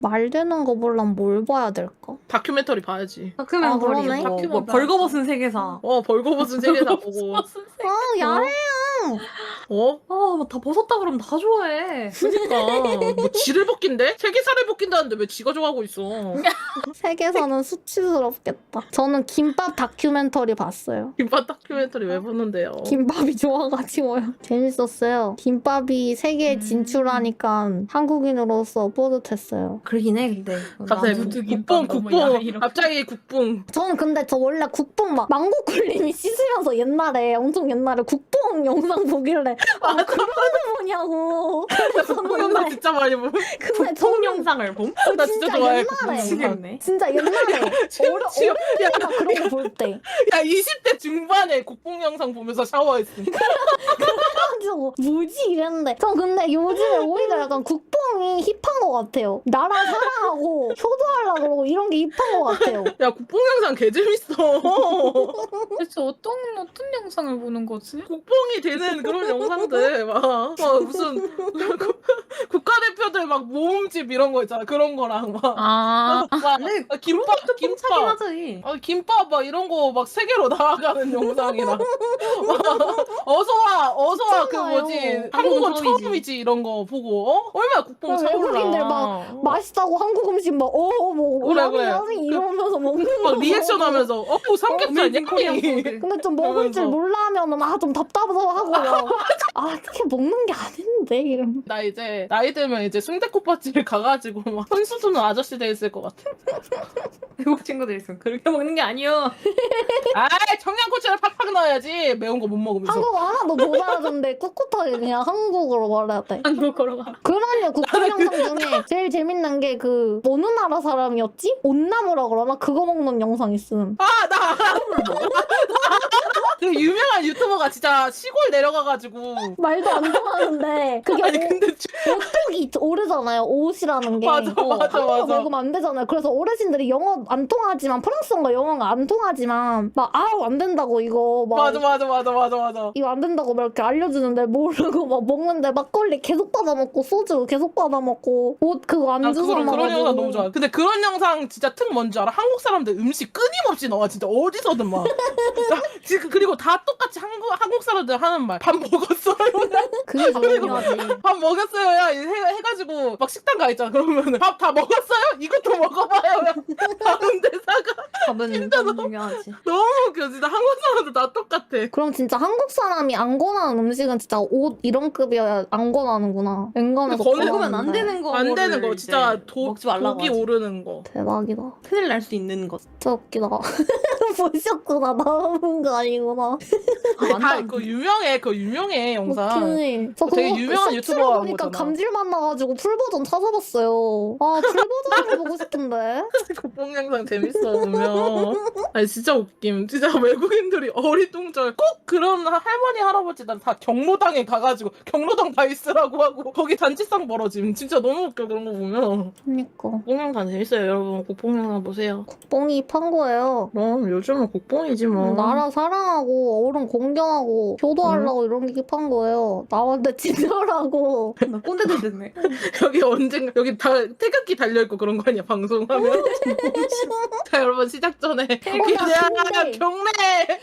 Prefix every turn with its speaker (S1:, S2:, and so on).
S1: 말 되는 거 보려면 뭘 봐야 될까?
S2: 다큐멘터리 봐야지.
S1: 그러네.
S3: 다큐멘터리 뭐
S2: 다큐멘터리
S3: 벌거벗은 세계사.
S2: 벌거벗은 세계사 보고.
S1: 야해요.
S3: 다 벗었다 그러면 다 좋아해.
S2: 그러니까 뭐 쥐를 벗긴대? 세계사를 벗긴다는데 왜 쥐가 좋아하고 있어?
S1: 세계사는 수치스럽겠다. 저는 김밥 다큐멘터리 봤어요.
S2: 김밥 다큐멘터리 왜 보는데요?
S1: 김밥이 좋아가지고요. 재밌었어요. 김밥이 세계에 진출하니까 한국인으로서 뿌듯했어요.
S3: 그러긴 해 근데.
S2: 갑자기
S3: 누드김밥
S2: 국뽕
S3: 너무 야해, 이렇게.
S2: 갑자기 국뽕.
S1: 저는 근데 저 원래 국뽕 막 망고꿀님이 씻으면서 옛날에 엄청 옛날에 국뽕 영상 보길래 그런 거 뭐냐고.
S2: 국뽕 영상 진짜 많이 보.
S1: 근데
S3: 성 영상을 봄?
S2: 나 진짜 좋아해.
S1: 옛날에
S2: 국뽕 영상.
S3: 미치겠네.
S1: 진짜 옛날에
S2: 지금
S1: 막 그런 거 볼 때.
S2: 야 20대 중반에 국뽕 영상 보면서 샤워했어.
S1: 그래가지고 뭐지 이랬는데 전 근데 요즘에 오히려 약간 국뽕이 힙한 것 같아요. 나라 사랑하고 효도하려고 그러고 이런 게 힙한 것 같아요.
S2: 야 국뽕 영상 개 재밌어.
S4: 대체 어떤 영상을 보는 거지?
S2: 국뽕이 되는 그런 영상들 막 무슨 국가대표들 막 모음집 이런 거 있잖아. 그런 거랑 막
S3: 근데
S2: 김밥
S3: 하긴 하지.
S2: 김밥 막 이런 거 막 세계로 나아가는 영상이랑 어서와 그
S1: 맞잖아요.
S2: 뭐지 한국은 처음이지 이런 거 보고 얼마나 국뽕 차올라.
S1: 외국인들 막 맛있다고 한국 음식 막 뭐
S2: 그래,
S1: 라면
S2: 그래.
S1: 라면 이러면서 먹는
S2: 막
S1: 거.
S2: 리액션 하면서 삼겹살
S3: 어메이징 코리안
S2: 냥이.
S3: 푸드.
S1: 근데 좀 먹을 줄
S2: 그러면서.
S1: 몰라면은 좀 답답하고요. 이렇게 먹는 게 아닌데 이러면.
S2: 나 이제 나이 들면 이제 순댓국밥집에 가가지고 막 손수 드는 아저씨 돼 있을 것 같아.
S3: 외국 친구들 있으면 그렇게 먹는 게 아니여.
S2: 청양고추를 팍팍 넣어야지 매운 거 못 먹으면서.
S1: 한국어 하나도 못 알아듣는데 꿋꿋하게 그냥 한국어로 말해야 돼.
S4: 한국어로 가.
S1: 그러냐 국뽕 영상 중에 제일 재밌는 게 그 어느 나라 사람이었지? 온나무라 그러나? 그거 먹는 영상 있음.
S2: 나 그 유명한 유튜버가 진짜 시골 내려가가지고
S1: 말도 안 통하는데 그게
S2: 아니 근데
S1: 오뚝이 오르잖아요. 옷이라는 게.
S2: 맞아.
S1: 한국어 먹으면 안 되잖아요. 그래서 어르신들이 영어 안 통하지만 프랑스어가 영어가 안 통하지만 막 안 된다고 이거 막
S2: 맞아.
S1: 이거 안 된다고 막 이렇게 알려주는데 모르고 막 먹는데 막걸리 계속 받아 먹고 소주 계속 받아 먹고 옷 그거 안주 사
S2: 그런
S1: 먹어가지고.
S2: 영상 너무 좋아. 근데 그런 영상 진짜 특 뭔지 알아? 한국 사람들 음식 끊임없이 나와 진짜 어디서든 막. 그리고 다 똑같이 한국 사람들 하는 말. 밥 먹었어요.
S1: 그게 중요하지.
S2: 밥 먹었어요. 야 해가지고 막 식당 가 있잖아. 그러면은 밥 다 먹었어요? 이것도 먹어봐요. 다른 대사가
S3: 밥은 너무 중요하지.
S2: 너무 웃겨. 진짜 한국 사람들 다 똑같아.
S1: 그럼 진짜 한국 사람이 안 권하는 음식은 진짜 옷 이런 급이어야 안 권하는구나. 웬간해서
S2: 근데
S3: 먹으면 안 되는 거.
S2: 안 되는 거 진짜
S3: 먹지 말라고
S2: 독이
S3: 하지.
S2: 오르는 거.
S1: 대박이다.
S3: 큰일 날 수 있는 것.
S1: 진짜 웃기다. 보셨구나. 나온 거 아니구나.
S2: 그 유명해 영상.
S1: 웃기네. 저
S2: 되게
S1: 그거
S2: 유명한
S1: 쇼츠로
S2: 유튜버가 한
S1: 보니까
S2: 거잖아.
S1: 감질맛 나가지고 풀버전 찾아봤어요. 풀버전을 보고 싶은데.
S2: 국뽕 영상 재밌어 보면. 아니 진짜 웃김. 진짜 외국인들이 어리둥절 꼭 그런 할머니 할아버지들 다 경로당에 가가지고 경로당 다 있으라고 하고 거기 단체상 벌어짐. 진짜 너무 웃겨 그런 거 보면.
S1: 그니까.
S2: 국뽕 영상 재밌어요 여러분. 국뽕 영상 보세요.
S1: 국뽕이 판 거예요.
S2: 그럼 요즘은 국뽕이지 뭐.
S1: 나라 사랑하고 어른 공경하고 효도하려고 이런 게 판 거예요. 나한테 친절하고.
S3: 나 꼰대들 됐네.
S2: 여기 언젠가 여기 다 태극기 달려있고 그런 거 아니야 방송하면. 자 여러분 시작 전에
S1: 나
S2: 기대하는
S1: 근데-
S2: 경례